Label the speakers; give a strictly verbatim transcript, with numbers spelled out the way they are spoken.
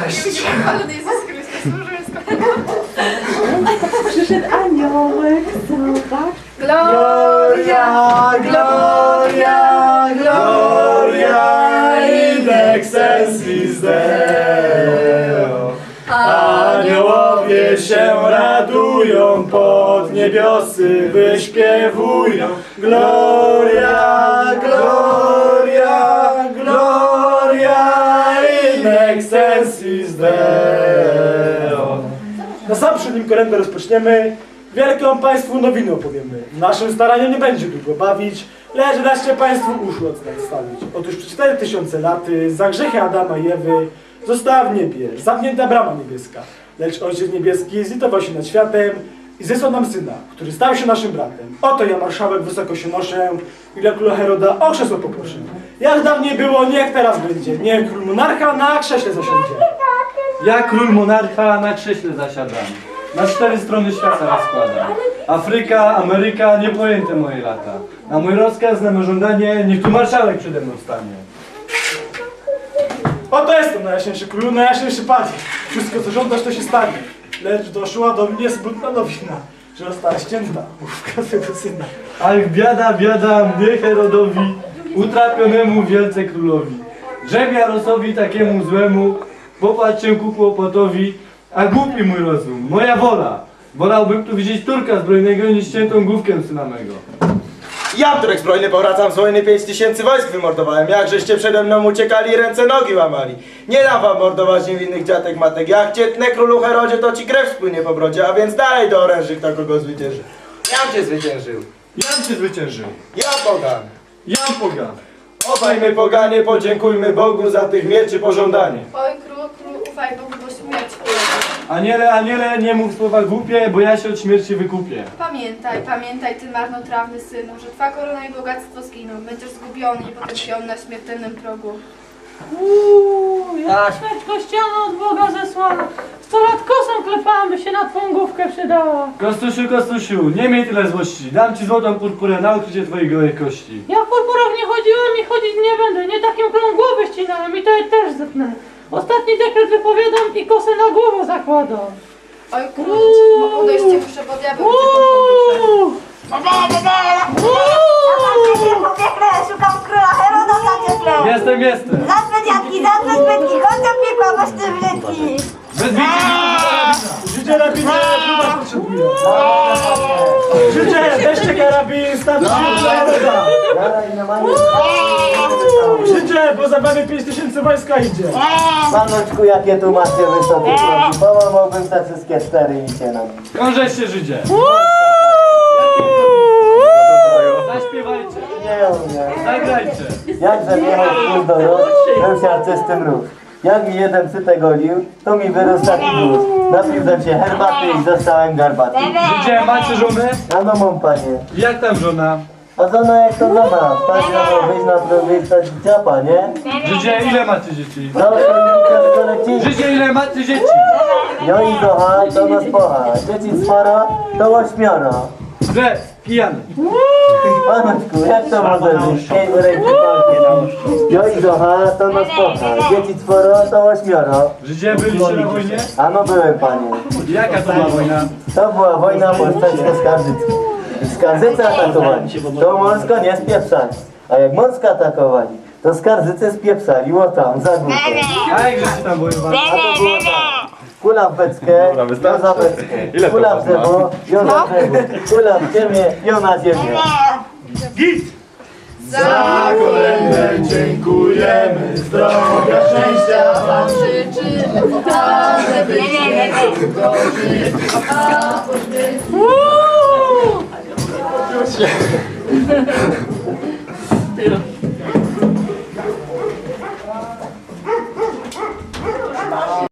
Speaker 1: Cześć.
Speaker 2: Ale Jezus Chrystus, służył
Speaker 3: Przyszedł aniołek, zobacz.
Speaker 2: Gloria,
Speaker 1: Gloria, Gloria in excelsis Deo. Aniołowie się radują, pod niebiosy wyśpiewują. Gloria, Gloria, Gloria in excelsis Deo. Na sam przed nim kolędę rozpoczniemy. Wielką Państwu nowinę opowiemy. Naszym staraniem nie będzie długo bawić, lecz dajcie Państwu uszu odstawić. Otóż przez cztery tysiące laty za grzechy Adama i Ewy została w niebie zamknięta brama niebieska. Lecz Ojciec Niebieski zlitował się nad światem i zesłał nam Syna, który stał się naszym bratem. Oto ja, marszałek, wysoko się noszę i dla króla Heroda o krzesło poproszę. Jak dawniej było, niech teraz będzie. Niech król monarcha na krześle zasiądzie.
Speaker 4: Ja, król monarcha, na krześle zasiadam. Na cztery strony świata rozkładam. Afryka, Ameryka, niepojęte moje lata. Na mój rozkaz, na moje żądanie, niech tu marszałek przede mną stanie.
Speaker 1: Oto jestem, najjaśniejszy królu, najjaśniejszy panie. Wszystko, co żądasz, to się stanie. Lecz doszła do mnie smutna nowina, że została ścięta główka swego syna.
Speaker 4: Ach, biada, biada mnie Herodowi, utrapionemu wielce królowi. Drzew Jarosowi takiemu złemu, popatrz się ku kłopotowi, a głupi mój rozum, moja wola. Wolałbym tu widzieć Turka zbrojnego niż ściętą główkę syna mego.
Speaker 5: Ja, Turek zbrojny, powracam z wojny, pięć tysięcy wojsk wymordowałem. Jakżeście przede mną uciekali, ręce nogi łamali. Nie dam wam mordować niewinnych dziatek matek. Jak cietnę królu Herodzie, to ci krew spłynie po brodzie, a więc dalej do oręży, kto kogo zwycięży. Jam cię zwyciężył.
Speaker 4: Jam cię zwyciężył.
Speaker 5: Ja pogan.
Speaker 4: Jam pogan.
Speaker 5: Obaj my poganie, podziękujmy Bogu za tych mieczy pożądanie.
Speaker 2: Oj, król, król, ufaj Bogu, bo śmierć ulega.
Speaker 4: Aniele, aniele, nie mów słowa głupie, bo ja się od śmierci wykupię.
Speaker 2: Pamiętaj, pamiętaj, ty marnotrawny synu, że twa korona i bogactwo zginą. Będziesz zgubiony i potępiony na śmiertelnym progu.
Speaker 3: Uuu, ja śmierć kościana od Boga zesłana. Sto lat kosą klepałam, by się na twą główkę przydała.
Speaker 4: Kostusiu, Kostusiu, nie miej tyle złości. Dam ci złotą purpurę na ukrycie twoich gołych kości.
Speaker 3: Ja w purpurach nie chodziłem i chodzić nie będę. Nie takim królom głowy ścinałem i to je też zetnę. Ostatni dekret wypowiadam i kosę na głowę zakładam.
Speaker 2: Oj, król, bo podejście muszę, bo diabeł cię
Speaker 3: Uuu.
Speaker 6: Szukam króla Heroda za cieplę.
Speaker 4: Jestem, jestem.
Speaker 6: Zadzwe dziadki, zadzwe zbytki, chodź do piekła, masz te brzydki.
Speaker 4: Bez bicia.
Speaker 1: Życie na picie, chyba potrzebuje. Życie, weźcie karabin, stawcie się dla Heroda. Życie, bo za wami pięć tysięcy wojska idzie.
Speaker 7: Panoczku, jakie tu macie wysokie progi, połamałbym te wszystkie cztery i się nam.
Speaker 4: Krążeś się, Żydzie. Zaśpiewajcie.
Speaker 7: Nie umiem.
Speaker 4: Zagrajcie.
Speaker 7: Jakże miał wpół do rok, był się artystym ruch. Jak mi jeden psytek golił, to mi wyrósł taki guz. Napiłem się herbaty i zostałem garbaty.
Speaker 4: Żydzie, macie żonę?
Speaker 7: A no mam panie.
Speaker 4: Jak tam żona?
Speaker 7: A co no jak to żona? Stać na wyjść na próbę i stać ciapa, nie?
Speaker 4: Żydzie, ile macie dzieci?
Speaker 7: No to to leci.
Speaker 4: Żydzie, ile macie dzieci?
Speaker 7: Jo i docha, to nos pocha. Dzieci sporo, to ośmioro.
Speaker 4: Że, pijany.
Speaker 7: Panoczku, jak to może być? Ej, ręki polskie. Jo i docha, to nos pocha. Dzieci sporo, to ośmioro.
Speaker 4: Żydzie, byliście na wojnie?
Speaker 7: A no byłem, panie.
Speaker 4: Jaka to była wojna?
Speaker 7: To była wojna polsko-skarżycka. Skarżycy atakowali, to Morsko nie spieprzali. A jak Morsko atakowali, to Skarżycy spieprzali, o tam, za górkę.
Speaker 4: A jak żeście tam wojowali?
Speaker 7: A to było tak. Kula w beczkę, jo za beczkę. Kula w drzewo, jo za drzewo. Kula w ziemię, jo na ziemię.
Speaker 1: Za kolędę dziękujemy, zdrowia, szczęścia wam
Speaker 2: życzymy, a żeby nie długo żyć, a poświęcić.